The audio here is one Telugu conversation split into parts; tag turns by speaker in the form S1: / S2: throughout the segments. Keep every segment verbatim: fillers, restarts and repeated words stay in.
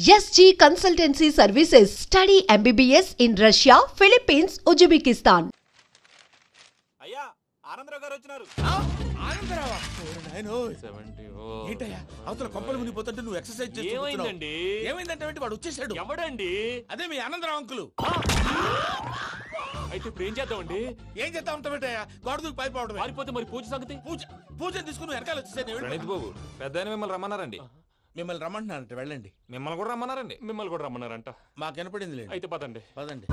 S1: S G Consultancy Services. Study M B B S in Russia, Philippines, Uzbekistan.
S2: అయ్యా ఆనందరావు గారు వచ్చినారు.
S3: ఆనందరావా? ఏంటయ్యా అవతల కొంపలు మునిగిపోతుంటే నువ్వు ఎక్సర్సైజ్ చేస్తున్నావు.
S2: ఏమైందండి?
S3: ఏమైందంటే వాడు వచ్చేసాడు.
S2: ఎవడండి?
S3: అదే మీ ఆనందరావు అంకులు.
S2: అయితే ఇప్పుడు ఏం చేద్దామండి?
S3: ఏం చేస్తా ఉంటావేటయ్యా? గోడ దూకి పైపోవడం.
S2: పారిపోతే మరి పూజ సంగతి?
S3: పూజ పూజ తీసుకుని వెనకాల వచ్చేసాను.
S4: ప్రణీత్ బాబు పెద్ద మిమ్మల్ని రమ్మన్నారండి.
S3: మిమ్మల్ని రమ్మంటున్నారంట, వెళ్ళండి.
S4: మిమ్మల్ని కూడా రమ్మన్నారండి.
S2: మిమ్మల్ని కూడా రమ్మన్నారంట.
S3: మాకు వినపడింది లేదు.
S2: అయితే పదండి.
S3: పదండి.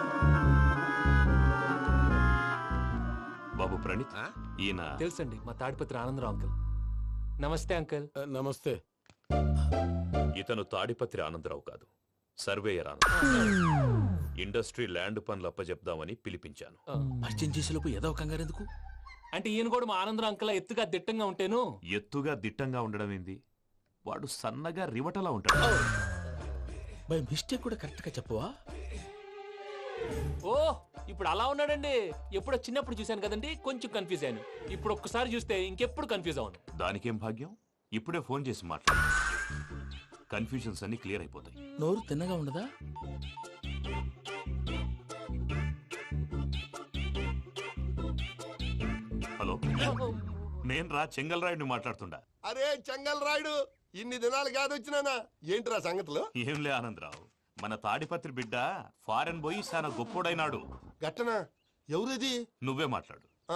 S4: బాబు ప్రణీత్, ఈయన
S2: తెలుసండి, మా తాడిపత్రి ఆనందరావు అంకుల్. నమస్తే అంకుల్.
S3: నమస్తే.
S4: ఇతను తాడిపత్రి ఆనందరావు కాదు, సర్వేయర్ ఆనందరావు. ఇండస్ట్రీ ల్యాండ్ పనులు అప్పచెప్దామని పిలిపించాను.
S3: పరిచయం చేసేలోపు ఏదో కంగారు ఎందుకు?
S2: అంటే ఈయన కూడా మా ఆనందరావు అంకుల్ ఎత్తుగా దిట్టంగా ఉంటేను.
S4: ఎత్తుగా దిట్టంగా ఉండడం ఏంది, వాడు సన్నగా రివటలా ఉంటాడు.
S3: బై మిస్టేక్ కూడా కరెక్ట్ గా చెప్పవా?
S2: ఓ ఇప్పుడు అలా ఉన్నాడండి. ఎప్పుడో చిన్నప్పుడు చూశాను కదండి, కొంచెం కన్ఫ్యూజ్ అయ్యాను. ఇప్పుడు ఒక్కసారి చూస్తే ఇంకెప్పుడు కన్ఫ్యూజ్ అవ్వను.
S4: దానికేం భాగ్యం, ఇప్పుడే ఫోన్ చేసి మాట్లాడు. కన్ఫ్యూజన్స్ అన్ని క్లియర్ అయిపోతాయి.
S3: నోరు తిన్నగా ఉండదా?
S4: హలో, నేను రా చెంగల్ రాయుడిని మాట్లాడుతుండా.
S5: అరే చెంగల్ రాయుడు, ఇన్ని దినాలు కాదు వచ్చినానా? ఏంట్రా సంగతులు?
S4: ఏంలే ఆనందరావు, మన తాడిపత్రి బిడ్డ ఫారెన్ పోయి చాలా గొప్పోడైనాడు.
S5: గట్టనా? ఎవరిది?
S4: నువ్వే మాట్లాడు.
S5: ఆ,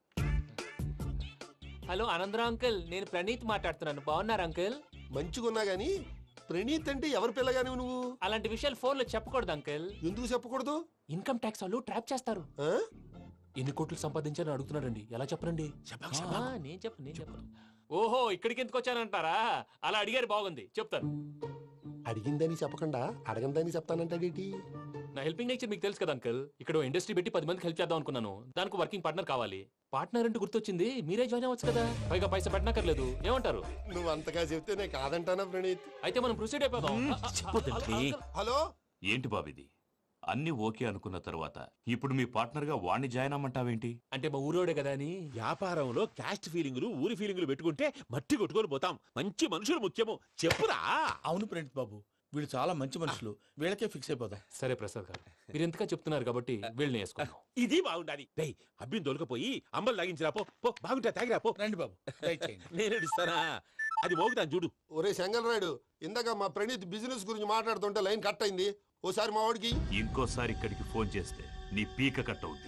S2: హలో ఆనందరావు అంకుల్, నేను ప్రణీత్ మాట్లాడుతున్నాను. బాగున్నారు అంకుల్?
S5: మంచిగున్నా గాని ప్రణీత్ అంటే ఎవరి పిల్లగాని నువ్వు?
S2: అలాంటి విషయాలు ఫోన్ లో చెప్పకూడదు అంకుల్.
S5: ఎందుకు చెప్పకూడదు?
S2: ఇన్కమ్ ట్యాక్స్ వాళ్ళు ట్రాప్ చేస్తారు.
S5: ఆ?
S2: ఎన్ని కోట్లు సంపాదించాలని అడుగుతున్నారండి. ఎలా చెప్పరండి?
S3: చెప్పకు,
S2: ఆ,
S3: చెప్పకు.
S2: నేను చెప్పను నేను చెప్పను. ఓహో ఇక్కడికి ఎందుకు వచ్చానంటారా? అలా అడిగారు, బాగుంది, చెప్తాను.
S5: అడిగిందని చెప్పకుండా అడగందని చెప్తానంటాడేటి?
S2: నా హెల్పింగ్ నేచర్ మీకు తెలుసు కదా అంకుల్. ఇక్కడ ఇండస్ట్రీ పెట్టి పది మందికి హెల్ప్ చేద్దాం అనుకున్నాను. దానికి వర్కింగ్ పార్ట్నర్ కావాలి. పార్ట్నర్ అంటే గుర్తొచ్చింది, మీరే జాయిన్ అవ్వచ్చు కదా. పైగా పైసా పెట్టనక్కర్లేదు. ఏమంటారు?
S5: నువ్వు అంతగా చెప్తే నేను కాదంటానా ప్రణీత్?
S2: అయితే మనం ప్రొసీడ్ అయిపోదాం.
S3: చెప్పొద్దండి.
S5: హలో,
S4: ఏంటి బాబిది, అన్ని ఓకే అనుకున్న తర్వాత ఇప్పుడు మీ పార్ట్నర్ గా వాణ్ణి జాయిన్ అమ్మంటావేంటి?
S2: అంటే మా ఊరోడే కదా అని.
S6: వ్యాపారంలో క్యాస్ట్ ఫీలింగులు ఊరి ఫీలింగులు పెట్టుకుంటే మట్టి కొట్టుకొని పోతాం. మంచి మనుషులు ముఖ్యము. చెప్పురా.
S3: అవును ప్రణీత్ బాబు, వీళ్ళు చాలా మంచి మనుషులు. వీళ్ళకే ఫిక్స్ అయిపోదాం.
S2: సరే ప్రసాద్ గారు, మీరు ఎంతగా చెప్తున్నారు కాబట్టి వీళ్ళని వేసుకుందాం.
S6: ఇది బాగుండాలి. డై అబ్బిని దొలకపోయి అంబలు తాగించిరా పో. పో బాగుంటా తాగిరా పో.
S3: రండి బాబు, దయచేయండి.
S6: నేను ఇస్తానా? అది మోగుతాను చూడు.
S5: ఒరే చెంగల్ రాయుడు, ఇందాక మా ప్రణీత్ బిజినెస్ గురించి మాట్లాడుతుంటే లైన్ కట్ అయింది. ఓసారి మా వాడికి
S4: ఇంకోసారి ఇక్కడికి ఫోన్ చేస్తే నీ పీక కట్ అవుద్ది.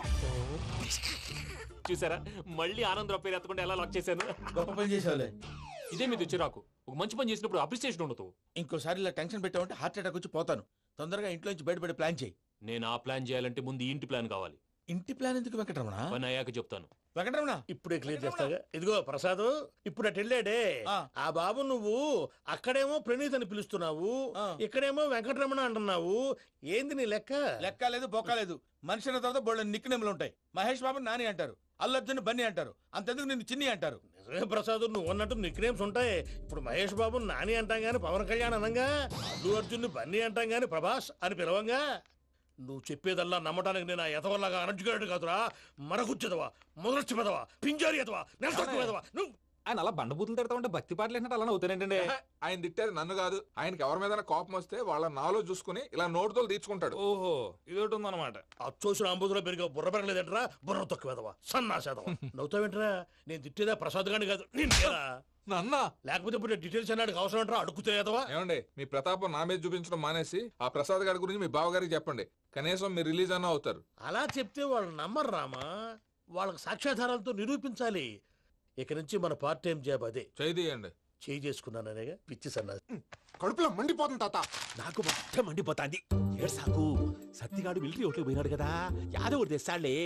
S2: చూసారా, మళ్ళీ ఆనందరావు పేరు ఎత్తకుండా ఎలా లాక్ చేశాను.
S3: గొప్ప పని చేసేవాళ్ళే.
S2: ఇదే మీద చిరాకు. ఒక మంచి పని చేసినప్పుడు అప్రిసియేషన్ ఉండదు.
S3: ఇంకోసారి ఇలా టెన్షన్ పెట్టామంటే హార్ట్ అటాక్ వచ్చి పోతాను. తొందరగా ఇంట్లో నుంచి బయటపడే ప్లాన్ చేయి.
S2: నేను ఆ ప్లాన్ చేయాలంటే ముందు ఈ ఇంటి ప్లాన్ కావాలి.
S3: ఇంటి ప్లాన్ ఎందుకు వెంకటరమణ?
S2: పని అయ్యాక చెప్తాను.
S3: వెంకటరమణ
S7: ఇప్పుడే క్లియర్ చేస్తాగా. ఇదిగో ప్రసాద్, ఇప్పుడు అటు వెళ్ళాడే
S3: ఆ.
S7: ఆ బాబు, నువ్వు అక్కడేమో ప్రణీత్ అని పిలుస్తున్నావు,
S3: ఆ.
S7: ఇక్కడేమో వెంకటరమణ అంటున్నావు. ఏంది నీ లెక్క?
S3: లెక్క లేదు, బొక్క లేదు. మనిషి అన్న తర్వాత బోళ్ళ నిక్నెములు ఉంటాయి. మహేష్ బాబు నాని అంటారు, అల్లు అర్జున్ బన్నీ అంటారు, అంతెందుకు నిన్ను చిన్ని అంటారు.
S7: నిజమే ప్రసాద్, నువ్వు అన్నట్టు నిక్ నేమ్స్ ఉంటాయి. ఇప్పుడు మహేష్ బాబు నాని అంటాం గాని పవన్ కళ్యాణ్ అనంగా, అల్లు అర్జున్ బన్నీ అంటాం గాని ప్రభాస్ అని పిలవంగా. నువ్వు చెప్పేదల్లా నమ్మటానికి నేను ఎతవల్లాగా అనర్జుకేటెడ్ కాదురా. మరగుచ్చదవా, మొదలచ్చి పెదవా, పింజారి ఎదవా, నెలసొక్కు పెదవా. నువ్వు
S8: ఆయన అలా బండబూతులు తిడతా ఉంటే భక్తి పాటలు ఏంటంటే అలా అవుతానంటే.
S9: ఆయన తిట్టేది నన్ను కాదు, ఆయనకి ఎవరి మీద కోపం వస్తే వాళ్ళ నాలో చూసుకుని ఇలా నోటుతో తీర్చుకుంటాడు.
S8: ఓహో ఇదొకటి ఉందన్నమాట.
S7: అచ్చోసిన అంబుధులో పెరిగే బుర్ర పెరగలేదంటరా, బుర్ర తొక్కు వెదవా, సన్నాసేదవా. నవ్వుతావేంట్రా? నేను తిట్టేదా ప్రసాద్ గాని కాదు, నిన్నేరా.
S9: నన్నా
S7: లేకపోతే ఇప్పుడు డీటెయిల్స్ అన్నాడు అవసరం అంటారా? అడుగుతాయేదవా.
S9: ఏమండి, మీ ప్రతాపం నా మీద చూపించడం మానేసి ఆ ప్రసాద్ గారి గురించి మీ బావగారికి చెప్పండి. కనీసం మీరు రిలీజ్ అన్న అవుతారు.
S7: అలా చెప్తే వాళ్ళు నమ్మరు రామా. వాళ్ళకి సాక్ష్యాధారాలతో నిరూపించాలి. ఇక నుంచి మన పార్ట్ టైం జాబ్ అదే.
S9: చేయండి.
S7: చేయి చేసుకున్నాననేగా పిచ్చి సన్నాసి.
S5: కడుపులో మండిపోతుంది తాత.
S6: నాకు మొత్తం మండిపోతాంది. ఏడు సాకు సత్తిగాడు మిలిటరీ ఓట్లు పోయినాడు కదా, యాదవ్ ఒకటి తెస్తాడులే.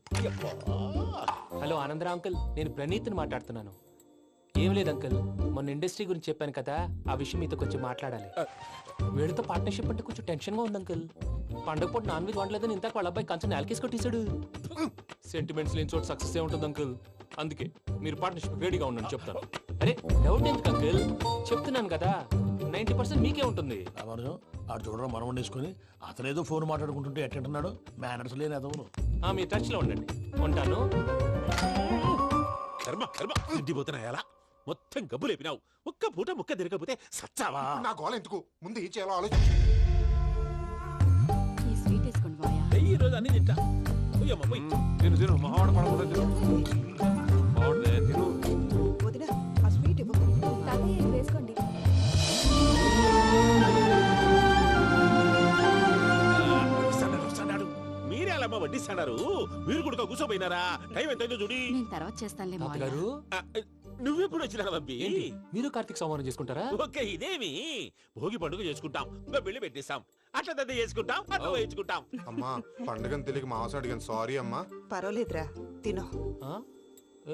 S2: హలో ఆనందరావు అంకుల్, నేను ప్రణీత్ని మాట్లాడుతున్నాను. ఏం లేదు అంకుల్, మొన్న ఇండస్ట్రీ గురించి చెప్పాను కదా, ఆ విషయం మీతో కొంచెం మాట్లాడాలి. వీళ్ళతో పార్ట్నర్షిప్ అంటే కొంచెం టెన్షన్ గా ఉంది అంకుల్. పండగ పూట నాన్ వెజ్ వండలేదని ఇంతకు వాళ్ళ అబ్బాయి కంచెం నేలకేసి కొట్టేశాడు. సెంటిమెంట్స్ లేని చోట సక్సెస్ ఏ ఉంటుంది అంకుల్. అందుకే మీరు పార్ట్నర్షిప్ రెడీగా ఉండండి, చెప్తాను. అరే డౌట్ ఎందుకు అంకుల్, చెప్తున్నాను కదా, నైన్టీ పర్సెంట్ మీకే ఉంటుంది.
S7: రామానుజం ఆడు చూడడం మనం వండేసుకుని అతనేదో ఫోన్ మాట్లాడుకుంటుంటే ఎట్టంటున్నాడు. మేనర్స్ లేని అదవును.
S2: మీ టచ్ లో ఉండండి, ఉంటాను.
S6: కర్మ కర్మ తిండిపోతున్నాయి. అలా మొత్తం గబ్బు లేపినావు. ఒక్క పూట ముక్క తిరగకపోతే సచ్చావా?
S5: నా గోల ఎందుకు ముందు ఈ చేయాలో ఆలోచించు.
S10: ఈ స్వీట్ వేసుకోండి బాయా.
S6: ఈ రోజు అన్ని తింటా. పోయమ్మ, పోయ్.
S9: తిను తిను మావాడ పడకుండా తిను మావాడే తిను.
S10: వదినా ఆ స్వీట్ ఇవ్వు. తాతయ్య ఇది వేసుకోండి.
S6: వస్తాడారు, వస్తాడారు. మీరే అలా అమ్మ వడ్డిస్తాడారు. మీరు కూడా కూర్చోపోయినారా? టైం ఎంతైందో చూడి.
S10: నేను తర్వాత చేస్తానులే మావయ్య.
S2: తాతగారు
S6: ఆ, నువ్వెప్పుడు వచ్చినా బంబి?
S2: ఏంటి మీరు కార్తీక్ సంహారం చేసుకుంటారా?
S6: ఓకే, ఇదేమి భోగి పండుగ చేసుకుంటాం, ఇంకా పెళ్లి పెట్టేస్తాం, అట్లా దద్ద చేసుకుంటాం, అట్లా వేయించుకుంటాం.
S5: అమ్మా పండుగని తెలియక మావస అడిగాను సారీ అమ్మా.
S10: పర్వాలేదురా తినో.
S2: ఆ? ఏ?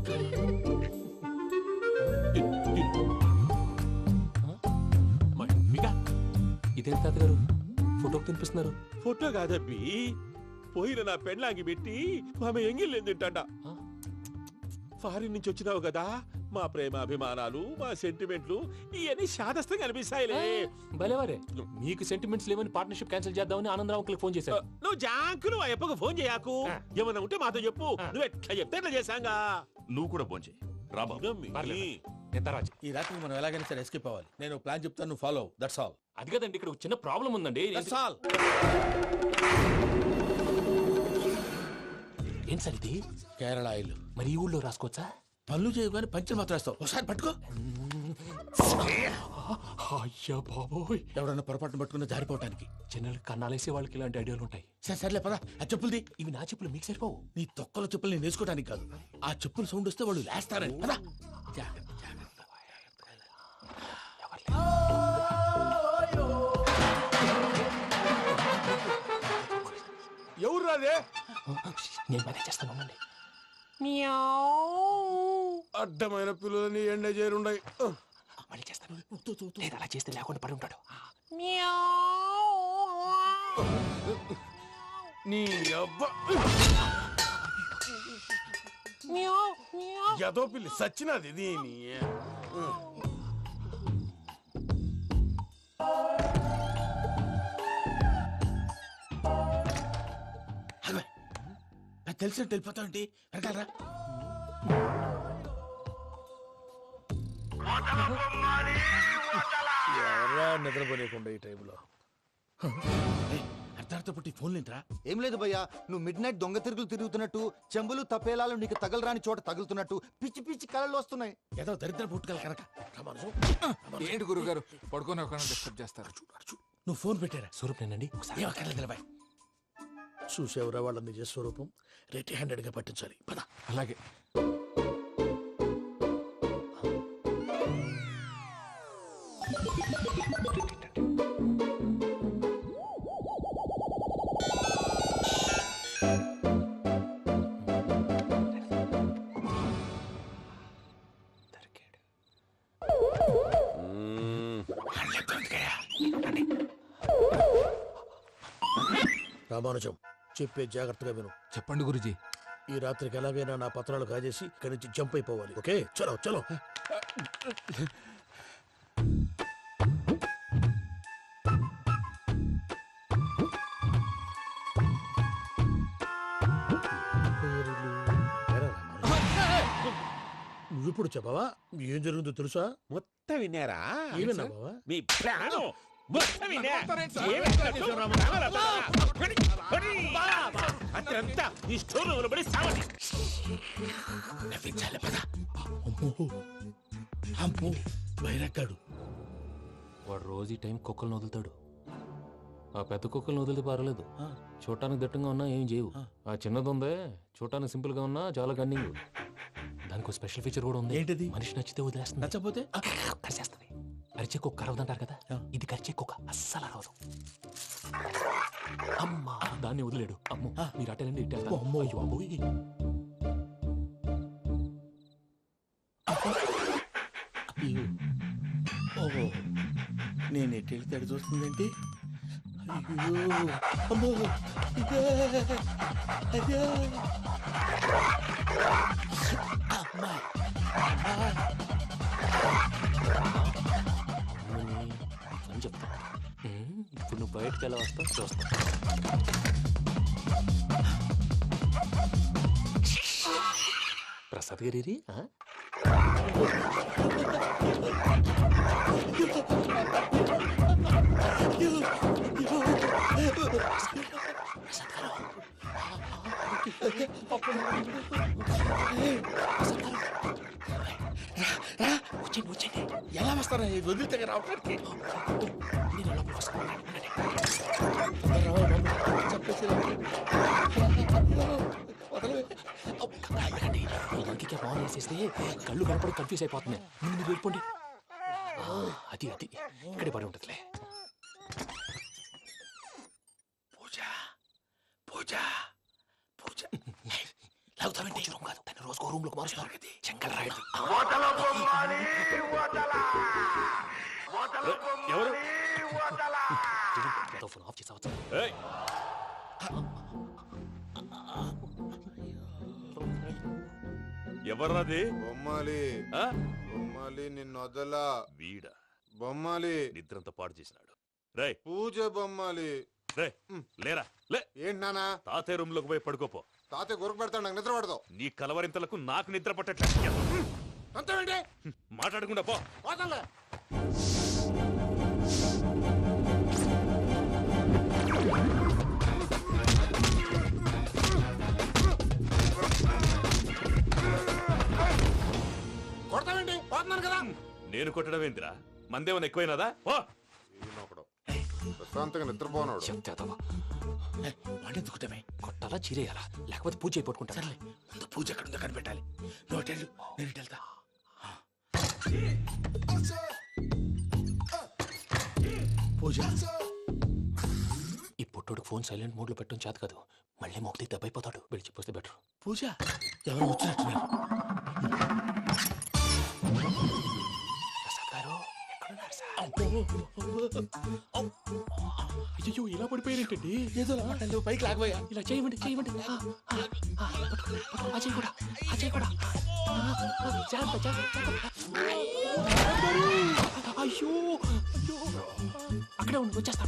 S6: మమ్మిగా
S2: ఇదేంటి తాతగారు ఫోటోకి తినిపిస్తున్నారు?
S6: ఫోటో కాదబ్బి, పోయిన నా పెళ్ళాంగి పెట్టి ఆమె ఎంగిల్ తింటాడ.
S2: ఆ?
S6: ఫారిన్ నుంచి వచ్చినావు కదా, మా ప్రేమ అభిమానాలు, మా సెంటిమెంట్లు ఇవన్నీ శాదస్తంగా అనిపిస్తాయిలే.
S2: భలేవారే, మీకు సెంటిమెంట్స్ లేవని పార్ట్నర్షిప్ క్యాన్సిల్ చేద్దామని ఆనందరావు అంకుల్కి ఫోన్ చేశారు.
S6: నువ్వు జాంకులు ఆ అప్పకు ఫోన్ చేయకు. ఏమన్నా ఉంటే మాతో చెప్పు. నువ్వు ఎట్లా చెప్తే ఎట్లా చేశాంగా.
S4: నువ్వు కూడా భోంచేయి రా బాబు.
S2: పర్లేదు. నేను తర్వాత
S3: ఈ రాత్రి మనం ఎలాగైనా సరే ఎస్కేప్ అవ్వాలి. నేను ప్లాన్ చెప్తాను, నువ్వు ఫాలో. That's all.
S2: అది కదండి, ఇక్కడ ఒక చిన్న ప్రాబ్లం ఉందండి.
S3: That's all.
S2: ఏం సార్ ఇది?
S3: కేరళ ఆయిల్.
S2: మరి ఈ ఊళ్ళో రాసుకోవచ్చా?
S3: పనులు చేయగానే పంచర్ మాత్రం వేస్తావు. ఒకసారి పట్టుకో.
S2: అయ్యా బాబోయ్,
S3: ఎవడన్నా పొరపాటున పట్టుకున్న జారిపోవటానికి.
S2: జనరల్ కన్నాలేసే వాళ్ళకి ఇలాంటి ఐడియాలు ఉంటాయి.
S3: సరే సర్లే పదా. ఆ చెప్పులది.
S2: ఇవి నా చెప్పులు మీకు సరిపోవు.
S3: నీ తొక్కల చెప్పులు నేను వేసుకోవడానికి కాదు, ఆ చెప్పులు సౌండ్ వస్తే వాళ్ళు లేస్తారని. పదా.
S5: ఎవరు రాదే?
S2: నేను మేనేజ్ చేస్తాను, ఉండండి.
S5: అడ్డమైన పిల్లలని ఎండ చేరుండయి.
S2: మళ్ళీ చేస్తాను. లేదు, అలా చేస్తే లేకుండా పడి ఉంటాడు.
S5: నీ అబ్బా ఎదో పిల్లి సచ్చినది దీని.
S3: నాకు తెలిసినట్టు వెళ్ళిపోతావంటి. వెనకాలరా.
S7: ఎవరా నిద్రపోలేకుండా ఈ టైంలో?
S3: అర్ధార్థ పుట్టి ఫోన్ లేంట్రా.
S11: ఏం లేదు భయ్యా, నువ్వు మిడ్ నైట్ దొంగ తిరుగులు తిరుగుతున్నట్టు, చెంబులు తపేలాలు నీకు తగలరాని చోట తగులుతున్నట్టు పిచ్చి పిచ్చి కళలు వస్తున్నాయి.
S3: ఏదో దరిద్ర పుట్టుకల కనుక. రామానుజం,
S9: ఏంటి గురుగారు పడుకొని ఒక డిస్టర్బ్ చేస్తారు?
S3: నువ్వు ఫోన్ పెట్టారా?
S2: స్వరూప్ నేనండి, ఒకసారి
S3: ఏం అక్కర్లేదు నిలబాయ్. చూసేవరా వాళ్ళ నిజ స్వరూపం. రెట్టి హ్యాండెడ్ గా పట్టించాలి. పద.
S9: అలాగే.
S7: రామానుజం, చెప్పే జాగ్రత్తగా విను.
S9: చెప్పండి గురుజీ.
S7: ఈ రాత్రికి ఎలాగైనా నా పత్రాలు కాజేసి ఇక్కడి నుంచి జంప్ అయిపోవాలి. ఓకే, చలో చలో. నువ్విప్పుడు చెప్పవా ఏం జరిగిందో తెలుసా?
S6: మొత్తం విన్నారా?
S7: ఏమన్నా బావా?
S6: మీ ప్రాణం మొత్తం విన్నా? అతనంతా ఈ స్టోర్ రూమ్ లో పడి సావండి.
S3: నవ్వించాలి. పద. అమ్మో అమ్మో బైరక్కాడు.
S2: వాడు రోజు ఈ టైం కుక్కలను వదులుతాడు. ఆ పెద్ద కుక్కలను వదిలితే పర్వాలేదు, చూడటానికి దట్టంగా ఉన్నా ఏం చేయవు. ఆ చిన్నది ఉందే, చూడటానికి సింపుల్ గా ఉన్నా చాలా కన్నింగ్. దానికి ఒక స్పెషల్ ఫీచర్ కూడా ఉంది.
S3: ఏంటిది?
S2: మనిషి నచ్చితే వదిలేస్తుంది,
S3: నచ్చపోతే
S2: కరిచేస్తుంది. అరిచే కుక్క అరవదంటారు కదా, ఇది కరిచే కుక్క అస్సలు అరవదు. అమ్మా, దాన్ని వదిలేడు. అమ్మో, మీరు అటెండి ఇట్టేస్తారు.
S3: అమ్మో.
S2: అయ్యో అబ్బోయ్.
S3: ఓహో, నేను ఎట్టి వెళ్తాడు చూస్తుందేంటి? అయ్యో అమ్మో, ఇదే అదే. అమ్మా
S2: అని చెప్తా. ఇప్పుడు నువ్వు బయటకు ఎలా వస్తావు చూస్తా. ప్రసాద్ గారి వచ్చేయండి వచ్చేయండి.
S7: ఎలా వస్తారా వదిలితే రావడానికి
S2: నేను లోపలికి వస్తాను. ఎందుకండి ఈ లంకికి బాగా వేసేస్తే కళ్ళు కనపడి కన్ఫ్యూజ్ అయిపోతుంది. ముందు మీరు వెళ్ళిపోండి. ఆ, అది అది ఇక్కడే పడి ఉంటుందిలే. పూజ పూజ పూజ లాగుతామంటే రూమ్ కాదు, తను రోజుకో రూమ్ లోకి మారుస్తున్నారు కదా. చెంగల్ రాయడు.
S6: ఎవరు
S2: ఫోన్ ఆఫ్ చేసావచ్చు.
S6: ఏయ్! ఎవర్రాది?
S5: బొమ్మాలి
S6: ఆ?
S5: బొమ్మాలి నిన్ను వదలా.
S6: వీడా
S5: బొమ్మాలి
S6: నిద్రంతా పాడు చేసినాడు. రే
S5: పూజ బొమ్మాలి.
S6: రే లేరా లే.
S5: ఏంటి నానా?
S6: తాతయ్య రూమ్ లోకి పోయి పడుకోపో.
S5: తాతయ్య గురకు పెడతాడు, నాకు నిద్ర పడతావు.
S6: నీ కలవరింతలకు నాకు నిద్ర పట్టట్లేదు.
S5: అంతేంటి?
S6: మాట్లాడకుండా పో.
S5: పోతాలే. కొడతావేంటి? పోతున్నాను కదా.
S6: నేను కొట్టడం ఏందిరా? మందేమన్నా ఎక్కువైనదా? ఓ
S5: ఈయనొకడు ప్రశాంతంగా నిద్రపోనాడు.
S2: చెప్తావా వాడిని దుక్కుతామే కొట్టాలా చీరేయాలా లేకపోతే పూజ అయిపోట్టుకుంటా. సరే ముందు పూజ ఎక్కడ ఉందో కనిపెట్టాలి. నువ్వు అటెండు, నేను ఇటు వెళ్తా. పూజ ఈ పుట్టోడు ఫోన్ సైలెంట్ మోడ్ లో పెట్టడం చేత కాదు. మళ్ళీ మొక్కి దెబ్బైపోతాడు. వెళ్ళి చెప్పొస్తే బెటర్. పూజ ఎవరు వచ్చినట్టున్నారు. ప్రసాద్ గారు ఎక్కడున్నారు సార్? అయ్యో ఇలా పడిపోయినట్టండి. ఏదో మాటలు పైకి లాగబోయా. ఇలా చేయమండి చేయమండి. ఆ, ఆ, ఆ, పట్టుకో, పట్టుకో. ఆ చేయి కూడా ఆ చేయి కూడా. ఆ, ఆ, జాగ్రత్త, జాగ్రత్త, జాగ్రత్త. అయ్యో అయ్యో అక్కడే ఉండి వచ్చేస్తాను.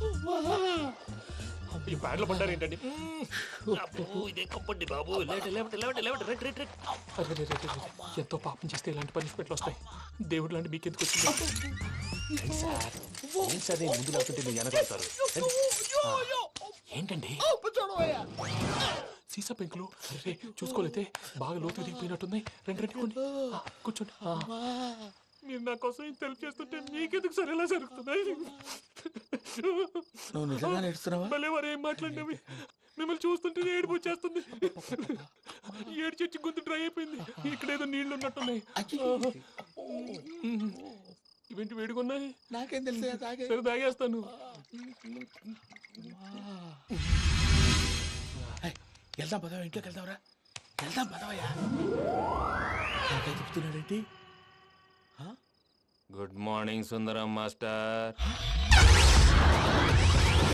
S6: ఈ బ్యాగ్లో పడ్డారు ఏంటండి?
S2: ఇదే కప్పండి బాబు.
S6: ఎంతో పాపం చేస్తే ఇలాంటి పనిష్మెంట్లు వస్తాయి. దేవుడు లాంటి మీకెందుకు వచ్చింది?
S2: సార్ ఏం సార్ నేను ముందు లేకుంటే మీరు వెనకాడతారు. ఏంటండి సీసా పెంకులు? అరే చూసుకోలేతే బాగా లోతు దిగిపోయినట్టున్నాయి. రెండు రెండు కొన్ని కూర్చోండి. మీరు నా కోసం ఇంత హెల్ప్ చేస్తుంటే మీకెందుకు సరే ఎలా జరుగుతున్నాయి?
S7: నువ్వు నిజంగా నేర్చుతున్నావా?
S6: మళ్ళీ వారు ఏం మాట్లాడినవి మిమ్మల్ని చూస్తుంటే ఏడుపు వచ్చేస్తుంది. ఏడు చెట్టు గొంతు డ్రై అయిపోయింది. ఇక్కడ ఏదో నీళ్లు ఉన్నట్టున్నాయి. ఇవేంటి వేడుకున్నాయి?
S7: నాకేం తెలుసు.
S6: సరే తాగేస్తాను.
S7: వెళ్దాం పదవా, ఇంట్లోకి వెళ్దాంరా. వెళ్దాం పదవయ్యా. చెప్తున్నాడేంటి?
S2: Good morning Sundaram master.